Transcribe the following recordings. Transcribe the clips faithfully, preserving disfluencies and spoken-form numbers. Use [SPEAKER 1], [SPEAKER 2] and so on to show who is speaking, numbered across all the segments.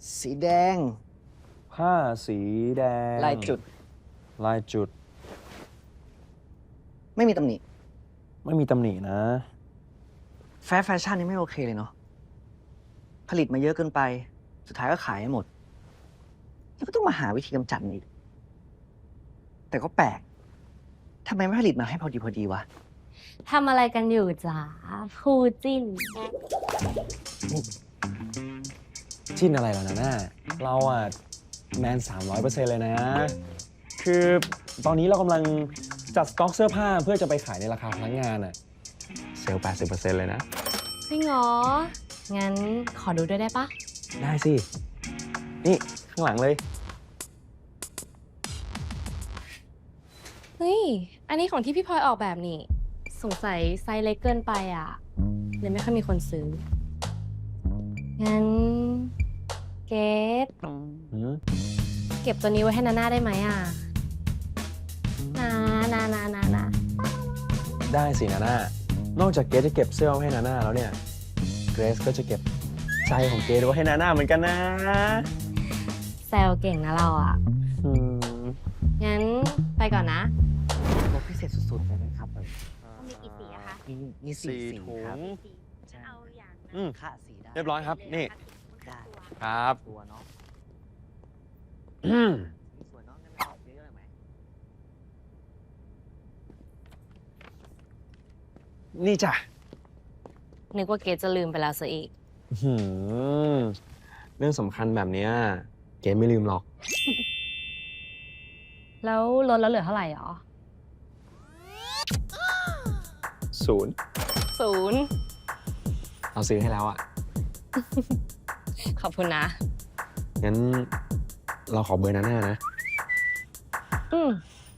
[SPEAKER 1] สีแดง
[SPEAKER 2] ผ้าสีแดง
[SPEAKER 1] ลายจุด
[SPEAKER 2] ลายจุด
[SPEAKER 1] ไม่มีตำหนิ
[SPEAKER 2] ไม่มีตำหนินะ
[SPEAKER 1] แฟร์แฟชั่นนี่ไม่โอเคเลยเนาะผลิตมาเยอะเกินไป สุดท้ายก็ขายให้หมด แล้วก็ต้องมาหาวิธีกำจัดมันอีกแต่ก็แปลกทำไมไม่ผลิตมาให้พอดีพอดีวะ
[SPEAKER 3] ทำอะไรกันอยู่จ๋าคู่จิ้น
[SPEAKER 2] จิ้นอะไรล่ะนะน่าเราอะแมนสามร้อยเปอร์เซ็นต์เลยนะ คือตอนนี้เรากำลังจัดสต็อกเสื้อผ้าเพื่อจะไปขายในราคาพนักงานอะเซลล์ แปดสิบเปอร์เซ็นต์ เลยนะ
[SPEAKER 3] จริงเหรอ งั้นขอดูด้วยได้ปะ
[SPEAKER 2] ได้สิ นี่ข้างหลังเลย
[SPEAKER 3] เฮ้ย อันนี้ของที่พี่พลอยออกแบบนี่ สงสัยไซส์เล็กเกินไปอ่ะเลยไม่ค่อยมีคนซื้อ งั้น เกตเก็บตัวนี้ไว้ให้นาน่าได้ไหมอ่ะนานานานานา
[SPEAKER 2] ได้สินาน่านอกจากเกรซจะเก็บเสื้อไว้ให้นาน่าแล้วเนี่ย เกรซก็จะเก็บใจของเกรซไว้ให้นาน่าเหมือนกันนะ
[SPEAKER 3] แซวเก่งนะเราอ่ะ
[SPEAKER 2] อืม
[SPEAKER 3] งั้นไปก่อนนะ
[SPEAKER 1] ลดพิเศษสุดๆเลยนะครับ
[SPEAKER 3] มีกี่สีอะคะ
[SPEAKER 1] มีมีสี่สีครับ
[SPEAKER 3] เอาอย่าง
[SPEAKER 2] อืม
[SPEAKER 1] ค่าสีได้
[SPEAKER 2] เรียบร้อยครับ นี่
[SPEAKER 1] ได้
[SPEAKER 2] ครับ
[SPEAKER 1] ตัวเนาะ
[SPEAKER 2] อืม
[SPEAKER 1] มีส่วนเนาะงั้นเอาเยอะๆเลยไหม
[SPEAKER 2] นี่จ้ะ
[SPEAKER 3] นึกว่าเกตจะลืมไปแล้วซะอีก
[SPEAKER 2] หืมเรื่องสำคัญแบบเนี้ยเกรซไม่ลืมหรอก
[SPEAKER 3] แล้วลดแล้วเหลือเท่าไหร่หรอ
[SPEAKER 2] ศูนย์
[SPEAKER 3] ศูนย์
[SPEAKER 2] เราซื้อให้แล้วอ่ะ
[SPEAKER 3] ขอบคุณนะ
[SPEAKER 2] งั้นเราขอเบอร์นาน่านะ
[SPEAKER 3] อืม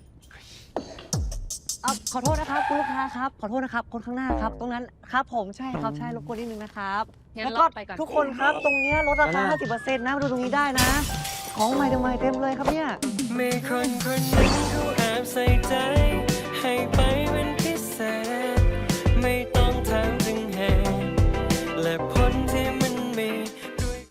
[SPEAKER 1] อ่ะขอโทษนะครับคุณลูกค้าครับ ขอโทษนะครับ คนข้างหน้าครับ ตรงนั้นครับผมใช่ครับใช่รบกวนนิดนึงนะครับ
[SPEAKER 3] งั้น
[SPEAKER 1] แล้วก็
[SPEAKER 3] เราไปก่อน
[SPEAKER 1] ทุกคนครับ ตรงเนี้ยลดราคา
[SPEAKER 2] นั่นน่ะ
[SPEAKER 1] ห้าสิบเปอร์เซ็นต์ นะมาดูตรงนี้ได้นะ ของใหม่เต็มๆเลยครับเนี่ย
[SPEAKER 4] มีคนคนหนึ่งเขาแอบใส่ใจ